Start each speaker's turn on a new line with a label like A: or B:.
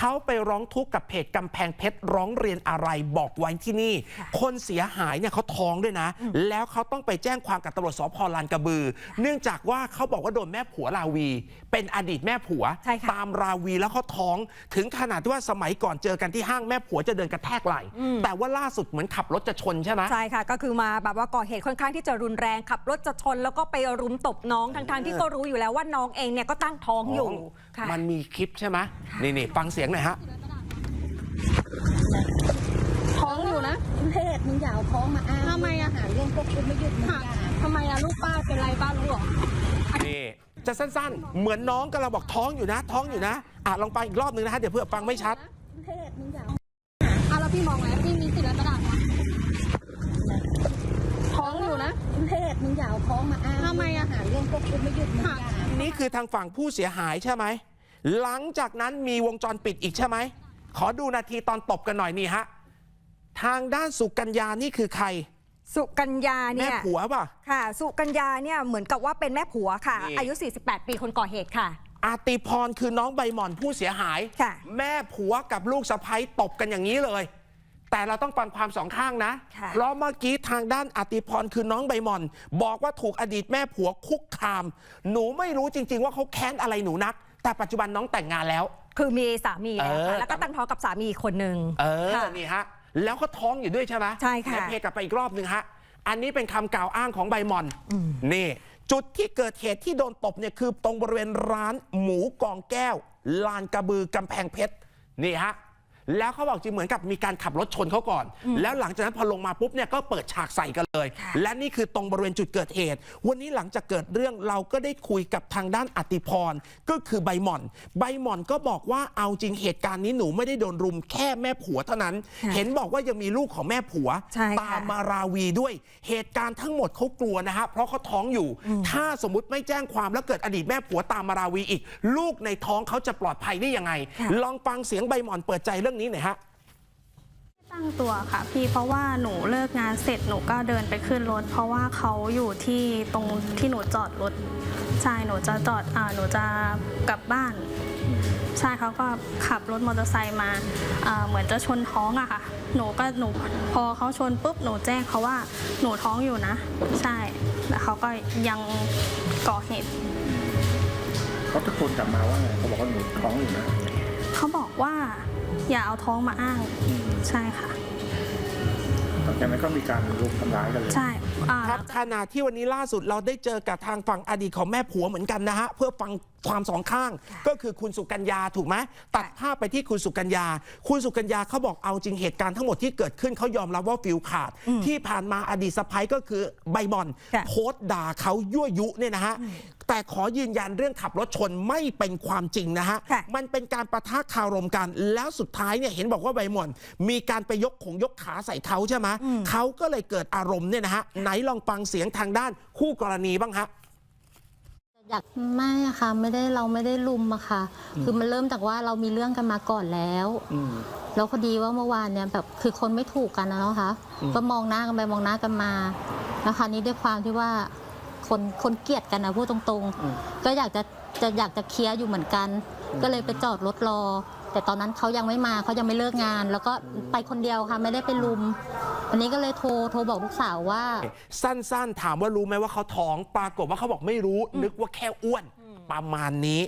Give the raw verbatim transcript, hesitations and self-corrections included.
A: เขาไปร้องทุกข์กับเพจกำแพงเพชรร้องเรียนอะไรบอกไว้ที่นี่คนเสียหายเนี่ยเขาท้องด้วยนะแล้วเขาต้องไปแจ้งความกับตำรวจสภ.ลานกระบือเนื่องจากว่าเขาบอกว่าโดนแม่ผัวราวีเป็นอดีตแม่ผัวตามราวีแล้วเขาท้องถึงขนาดที่ว่าสมัยก่อนเจอกันที่ห้างแม่ผัวจะเดินกระแทกไหล่แต่ว่าล่าสุดเหมือนขับรถจะชนใช่ไหม
B: ใช่ค่ะก็คือมาแบบว่าก่อเหตุค่อนข้างที่จะรุนแรงขับรถจะชนแล้วก็ไปรุมตบน้องทั้งๆที่ก็รู้อยู่แล้วว่าน้องเองเนี่ยก็ตั้งท้องอยู่
A: มันมีคลิปใช่ไหมนี่นี่ฟังเสียงหน่อยฮะ
C: ท้องอยู่นะ
D: เพศมึงอย่าเอาท้องมาอ้าง
C: ทำไมอะ
D: หาเรื่องพวกคุณไม่หยุดมึงอย่า
C: ทำไมอะลูกป้าเป็นไรป้ารู้หรอ
A: นี่จะสั้นๆเหมือนน้องกำลังบอกท้องอยู่นะท้องอยู่นะอ่ะลองฟังอีกรอบนึงนะฮะเดี๋ยวเพื่อฟังไม่ชัด
D: เพศมึงอย่า
C: อ่ะแล้วพี่มองแล้วพี่มีสิทธิ์แล้วกระดาษท้องอยู่นะ
D: เพศมึงอย่าเอาท้องมาอ้าง
C: ทำไมอะ
D: หาเรื่องพวกคุณไม่หยุดมึงอย่า
A: นี่คือทางฝั่งผู้เสียหายใช่ไหมหลังจากนั้นมีวงจรปิดอีกใช่ไหมขอดูนาทีตอนตบกันหน่อยนี่ฮะทางด้านสุกัญญานี่คือใคร
B: สุกัญญาเนี่ย
A: แม่ผัวป่ะ
B: ค่ะสุกัญญาเนี่ยเหมือนกับว่าเป็นแม่ผัวค่ะอายุสี่สิบแปดปีคนก่อเหตุค่ะ
A: อาติพรคือน้องใบหม่อนผู้เสียหายแม่ผัวกับลูกสะใภ้ตบกันอย่างนี้เลยแต่เราต้องฟังความสองข้างนะเพราะเมื่อกี้ทางด้านอาติพรคือน้องใบหม่อนบอกว่าถูกอดีตแม่ผัวคุกคามหนูไม่รู้จริงๆว่าเขาแค้นอะไรหนูนักแต่ปัจจุบันน้องแต่งงานแล้ว
B: คือมีสามีแล้วค่ะแล้วก็ตั้งท้องกับสามีคนหนึ่ง
A: เออนี่ฮะแล้วก็ท้องอยู่ด้วยใช่ไหม
B: ใช่ค่ะ
A: เพกลับไปอีกรอบหนึ่งฮะอันนี้เป็นคำกล่าวอ้างของใบหม่อนนี่จุดที่เกิดเหตุที่โดนตบเนี่ยคือตรงบริเวณร้านหมูกองแก้วลานกระบือกำแพงเพชรนี่ฮะแล้วเขาบอกจริงเหมือนกับมีการขับรถชนเขาก่อนแล้วหลังจากนั้นพอลงมาปุ๊บเนี่ยก็เปิดฉากใส่กันเลยและนี่คือตรงบริเวณจุดเกิดเหตุวันนี้หลังจากเกิดเรื่องเราก็ได้คุยกับทางด้านอติพรก็คือใบหม่อนใบหม่อนก็บอกว่าเอาจริงเหตุการณ์นี้หนูไม่ได้โดนรุมแค่แม่ผัวเท่านั้นเห็นบอกว่ายังมีลูกของแม่ผัวตามมาราวีด้วยเหตุการณ์ทั้งหมดเขากลัวนะฮะเพราะเขาท้องอยู่ถ้าสมมุติไม่แจ้งความแล้วเกิดอดีตแม่ผัวตามมาราวีอีกลูกในท้องเขาจะปลอดภัยได้ยังไงลองฟังเสียงใบหม่อนเปิดใจเรื่องนี้หน่อยฮะ
E: ตั้งตัวค่ะพี่เพราะว่าหนูเลิกงานเสร็จหนูก็เดินไปขึ้นรถเพราะว่าเขาอยู่ที่ตรงที่หนูจอดรถใช่หนูจะจอดอ่าหนูจะกลับบ้านใช่เขาก็ขับรถมอเตอร์ไซค์มาเหมือนจะชนท้องอะค่ะหนูก็หนูพอเขาชนปุ๊บหนูแจ้งเขาว่าหนูท้องอยู่นะใช่แล้วเขาก็ยังก่อเหตุ
F: เขาตะโกนกลับมาว่าไงเขาบอกว่าหนูท้องอยู่นะ
E: เขาบอกว่าอย่าเอาท้องมาอ้างใช่ค่ะ
F: แต่นั้นก็มีการรุมทำร้ายกันเลย
E: ใช่
A: ครับขณะที่วันนี้ล่าสุดเราได้เจอกับทางฝั่งอดีตของแม่ผัวเหมือนกันนะฮะเพื่อฟังความสองข้างก็คือคุณสุกัญญาถูกไหมตัดภาพไปที่คุณสุกัญญาคุณสุกัญญาเขาบอกเอาจริงเหตุการณ์ทั้งหมดที่เกิดขึ้นเขายอมรับว่าฟิลขาดที่ผ่านมาอดีตสะใภ้ก็คือใบหม่อนโพสต์ด่าเขายั่วยุเนี่ยนะฮะแต่ขอยืนยันเรื่องขับรถชนไม่เป็นความจริงนะฮะมันเป็นการประทะคารมกันแล้วสุดท้ายเนี่ยเห็นบอกว่าใบหม่อนมีการไปยกของยกขาใส่เขาใช่ไหมเขาก็เลยเกิดอารมณ์เนี่ยนะฮะไหนลองฟังเสียงทางด้านคู่กรณีบ้างฮะ
D: อยากไม่อะค่ะไม่ได้เราไม่ได้ลุมอะค่ะคือมันเริ่มจากว่าเรามีเรื่องกันมาก่อนแล้วแล้วพอดีว่าเมื่อวานเนี่ยแบบคือคนไม่ถูกกันนะเนาะคะก็มองหน้ากันไปมองหน้ากันมาแล้วคราวนี้ด้วยความที่ว่าคนคนเกลียดกันนะพูดตรงๆก็อยากจะจะอยากจะเคลียร์อยู่เหมือนกันก็เลยไปจอดรถรอแต่ตอนนั้นเขายังไม่มาเขายังไม่เลิกงานแล้วก็ไปคนเดียวค่ะไม่ได้ไปลุมวันนี้ก็เลยโทรโทรบอกลูกสาวว่า
A: สั้นๆถามว่ารู้ไหมว่าเขาท้องปรากฏว่าเขาบอกไม่รู้นึกว่าแค่อ้วนประมาณนี้